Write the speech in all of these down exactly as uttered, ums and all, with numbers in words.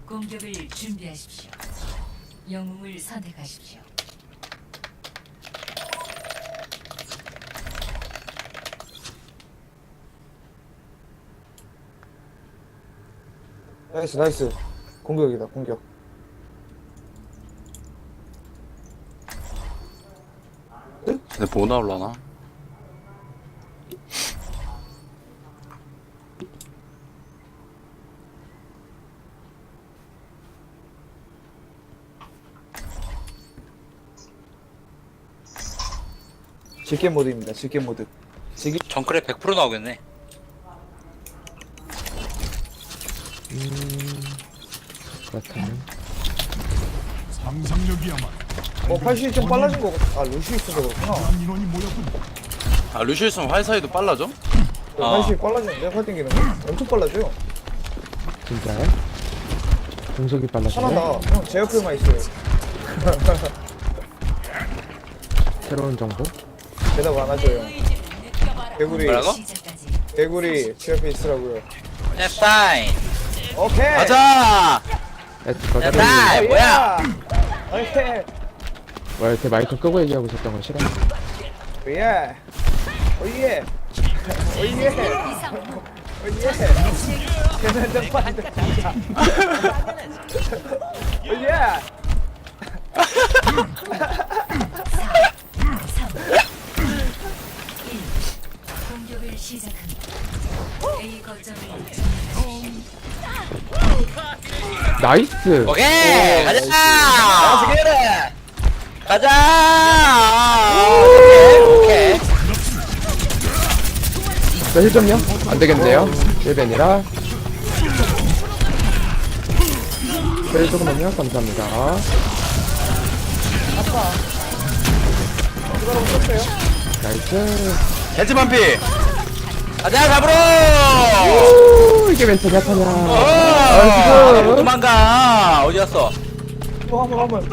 공격을 준비하십시오. 영웅을 선택하십시오. 나이스 나이스. 공격이다 공격. 근데 뭐 나올라나? 질겜 모드입니다. 질겜 모드. 질겜. 정크레 백 퍼센트 나오겠네. 음... 그렇다면 상상력이야말로 어 팔십이 좀 빨라진 거 같아. 아 루시 있어서 그렇구나. 한 인원이 모였군. 아 루시우 있으면 활사이도 빨라져? 어. 팔십이 빨라지는데 활 땡기는 거? 엄청 빨라져요. 진짜요? 공속이 빨라지네. 편하다. 형 제 옆에만 있어요. 새로운 정보? 대답 안 하죠 형. 개구리. 뭐라고? 시작까지 개구리 제 옆에 있으라고요. 야 사인. 오케이. 가자! 에스 거절. 야, 어, 뭐야? 야! 오케이. 와 이렇게 마이크 끄고 얘기하고 있었던 건 싫어. 오예. 오예. 오예. 오예. 계산 좀 빠진다 진짜. 오예. 공격을 시작합니다. A 거점을 나이스. 오케이 가자. 어떻게 가자. 오케이 오케이. 자, 힐 좀요? 안 되겠네요. 힐벤이라. 힐 조금만요. 감사합니다. 나이스. 겐지 반피! 가자 잡으러. 오, 이게 왼쪽 약하냐. 어. 못 도망가. 어디 갔어? 또 한번 한번.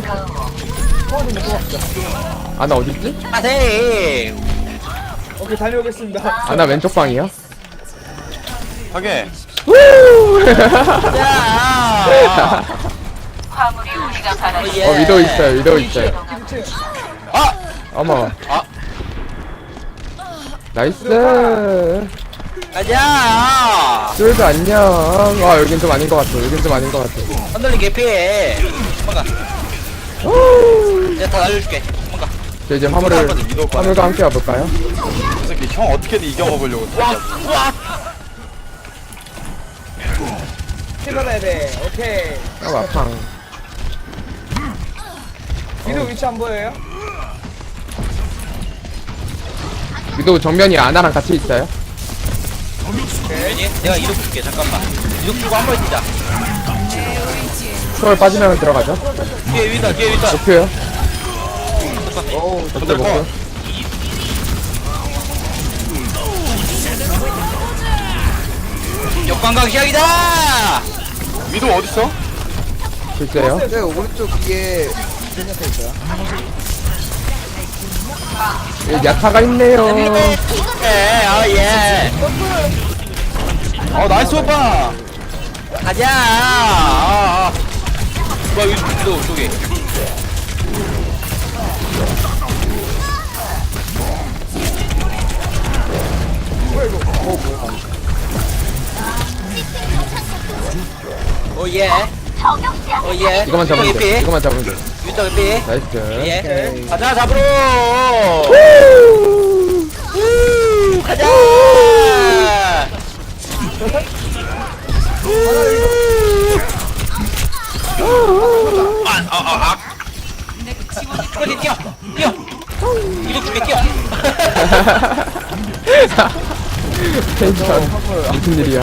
아나 어딨지? 아세. 오케이 다녀오겠습니다. 아나 왼쪽 방이요. 하게 자. 어, 위도 있어요. 위도 있어요. 아! 어머. 아! 나이스. 가자. 쫄도 안녕. 와, 여긴 좀 아닌 것 같아. 여긴 좀 아닌 것 같아. 흔들린 개피해. 도망가. 오. 내가 다 날려줄게. 도망가. 저 이제 화물을, 한번 위도 꺼내. 화물과 함께 와볼까요? 이 새끼 형 어떻게든 이겨먹으려고 와 와. 힐받아야 돼. 오케이. 아, 와팡. 위도 위치 안 보여요? 위도 정면이 아나랑 같이 있어요. 괜히 내가 이륙 줄게. 잠깐만. 이륙 주고 한 번 뛰자. 초월 빠지면 들어가죠. 뒤에 위다 뒤에 위다. 목표요. 어우 목표, 근데 목표. 뭐 역광각 시작이다. 위도 어딨어? 글쎄요. 네 오른쪽 위에 생략해 있어요. 여기 야타가 있네요. 예, 아 예. 어 나이스 오빠! 가자. 아, 아. 뭐야 위도 위도 저기. 오예. 오예. 이거만 잡으면 돼. 피 이거만 잡으면 돼. 위도 피. 나이스. 예. 가자 잡으러. 우, 가자. 아, 아, 아, 아. 빨리 뛰어, 뛰어. 이거 줄게 뛰어. 텐션. 무슨 일이야.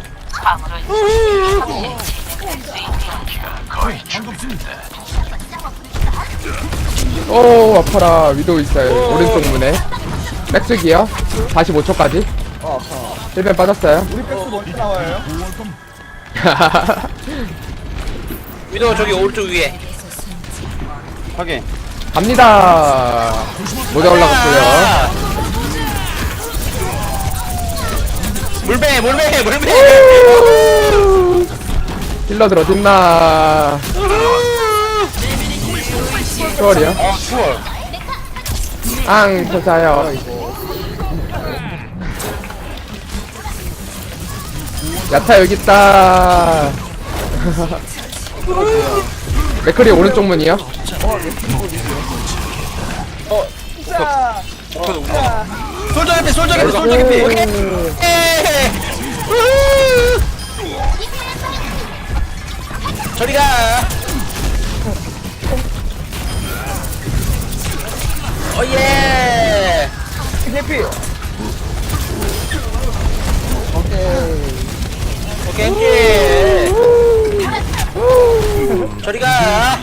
오, 아파라. 위도 있어요. 오른쪽 문에. 백숙이요. 사십오 초까지. 어 아파. 힐벤 빠졌어요. 우리 백스 먼저 나와요. 위도 저기 오른쪽 위에. 하게 갑니다. 모자 올라갔고요. 아. 물배, 물배, 물배. 힐러들 어딨나? 추월이요? 아 추월. 앙, 터져요. 야타 여기 있다. 맥크리 오른쪽 문이요? 솔저 개피 솔저 개피 솔저 개피. 에이. 저리 가. 오예. 해피. 오케이. 오케이 오케이. 저리 가.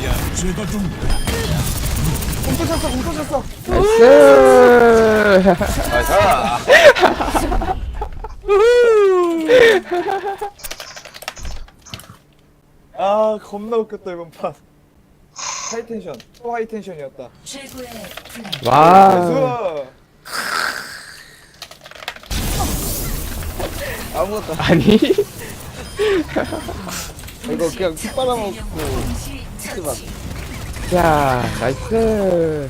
공터 쳤어, 공터 쳤어. 나이스. 나이스. 아, 겁나 웃겼다, 이번 판. 하이텐션. 또 하이텐션이었다. 최고의 플레이. 와. 나이스. 아무것도 안 아니. 이거 그냥 피 빨아먹고 동시 처치. 자, 나이스.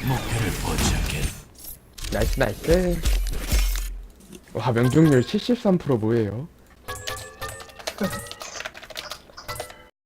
나이스, 나이스. 와, 명중률 칠십삼 퍼센트 뭐예요?